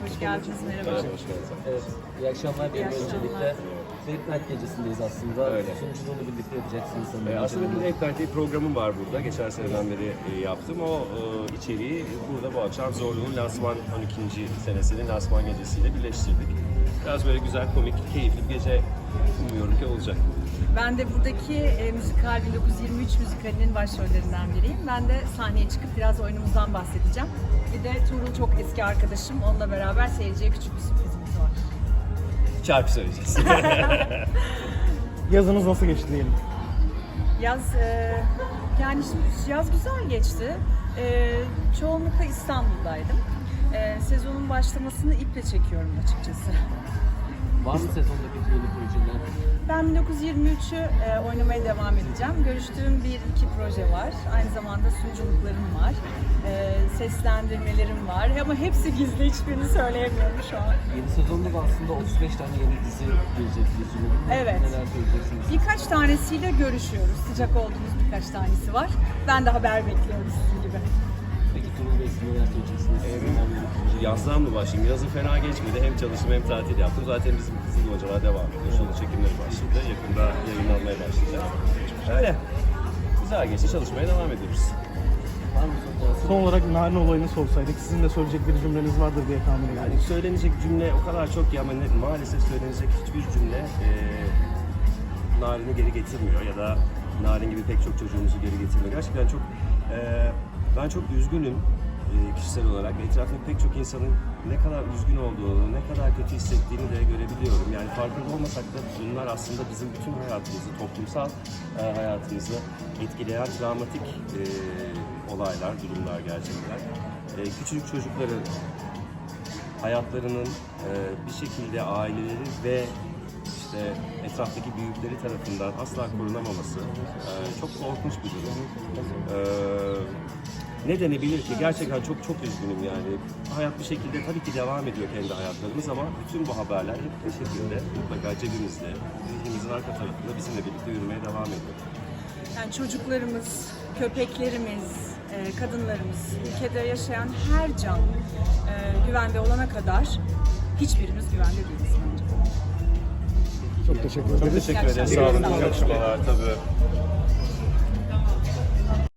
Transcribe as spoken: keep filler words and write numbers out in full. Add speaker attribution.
Speaker 1: Hoş geldiniz, merhaba.
Speaker 2: Hoş geldiniz.
Speaker 3: Evet, iyi akşamlar diyelim
Speaker 1: İyi akşamlar.
Speaker 3: öncelikle. Late Night gecesindeyiz aslında.
Speaker 2: Öyle.
Speaker 3: Sunuculuğunu birlikte yapacaksınız sanırım.
Speaker 2: Ee, aslında bir Late Night diye programım var burada. Geçen seneden beri e, yaptım. O e, içeriği burada bu akşam Zorlu'nun lansman on ikinci senesinin lansman gecesiyle birleştirdik. Biraz böyle güzel, komik, keyifli bir gece umuyorum ki olacak.
Speaker 1: Ben de buradaki e, müzikal bin dokuz yüz yirmi üç müzikalinin başrollerinden biriyim. Ben de sahneye çıkıp biraz oyunumuzdan bahsedeceğim. Bir de Tuğrul çok eski arkadaşım. Onunla beraber seyirciye küçük bir sürprizimiz var.
Speaker 2: Şarkı söyleyeceğiz.
Speaker 4: Yazınız nasıl geçti diyelim?
Speaker 1: Yaz, e, yani şimdi yaz güzel geçti. E, çoğunlukla İstanbul'daydım. E, sezonun başlamasını iple çekiyorum açıkçası.
Speaker 3: Var mı sezonda bir yeni projeler?
Speaker 1: Ben bin dokuz yüz yirmi üçü e, oynamaya devam edeceğim. Görüştüğüm bir iki proje var. Aynı zamanda sunuculuklarım var. E, seslendirmelerim var. Ama hepsi gizli, hiçbirini söyleyemiyorum şu an.
Speaker 3: Yeni sezonda da aslında otuz beş tane yeni dizi gelecek biliyorsunuz.
Speaker 1: Evet.
Speaker 3: Neler söyleyeceksiniz?
Speaker 1: Birkaç tanesiyle görüşüyoruz. Sıcak olduğumuz birkaç tanesi var. Ben de haber bekliyorum sizin gibi.
Speaker 3: Peki Tuğrul Bey siz neler söyleyeceksiniz?
Speaker 2: Evet.
Speaker 3: Sizin var mı yeni proje?
Speaker 2: Yazdan mı başlayayım? Yazı fena geçmedi. Hem çalıştım hem tatil yaptım. Zaten bizim Kızıl Hocalar devam ediyor. Şu anda çekimleri başladı. Yakında yayınlanmaya başlayacak. Öyle. Güzel geçti. Çalışmaya devam ediyoruz.
Speaker 3: Var mı son
Speaker 4: Son olarak Narin olayını sorsaydık, sizin de söyleyecek bir cümleniz vardır diye tahmin ediyorum.
Speaker 2: Yani söylenecek cümle o kadar çok ki ama ne- maalesef söylenecek hiçbir cümle e, Narin'i geri getirmiyor ya da Narin gibi pek çok çocuğumuzu geri getirmiyor. Gerçekten çok e, ben çok üzgünüm e, kişisel olarak. Etrafımda pek çok insanın ne kadar üzgün olduğunu, ne kadar kötü hissettiğini de görebiliyorum. Yani farkında olmasak da bunlar aslında bizim bütün hayatımızı, toplumsal e, hayatımızı etkileyen travmatik e, olaylar, durumlar gerçekten. E, küçücük çocukların hayatlarının e, bir şekilde aileleri ve işte etraftaki büyükleri tarafından asla korunamaması e, çok korkunç bir durum. E, ne denebilir ki? Gerçekten çok çok üzgünüm yani. Hayat bir şekilde tabii ki devam ediyor kendi hayatlarımız ama bütün bu haberler hep bir şekilde mutlaka cebimizde, zihnimizin arka tarafında bizimle birlikte yürümeye devam ediyor.
Speaker 1: Yani çocuklarımız, köpeklerimiz, e, kadınlarımız, ülkede yaşayan her can e, güvende olana kadar hiçbirimiz güvende değiliz bence.
Speaker 4: Çok teşekkür
Speaker 2: Çok
Speaker 4: ederiz.
Speaker 2: teşekkür ederiz. Sağ olun. İyi akşamlar. Tabii.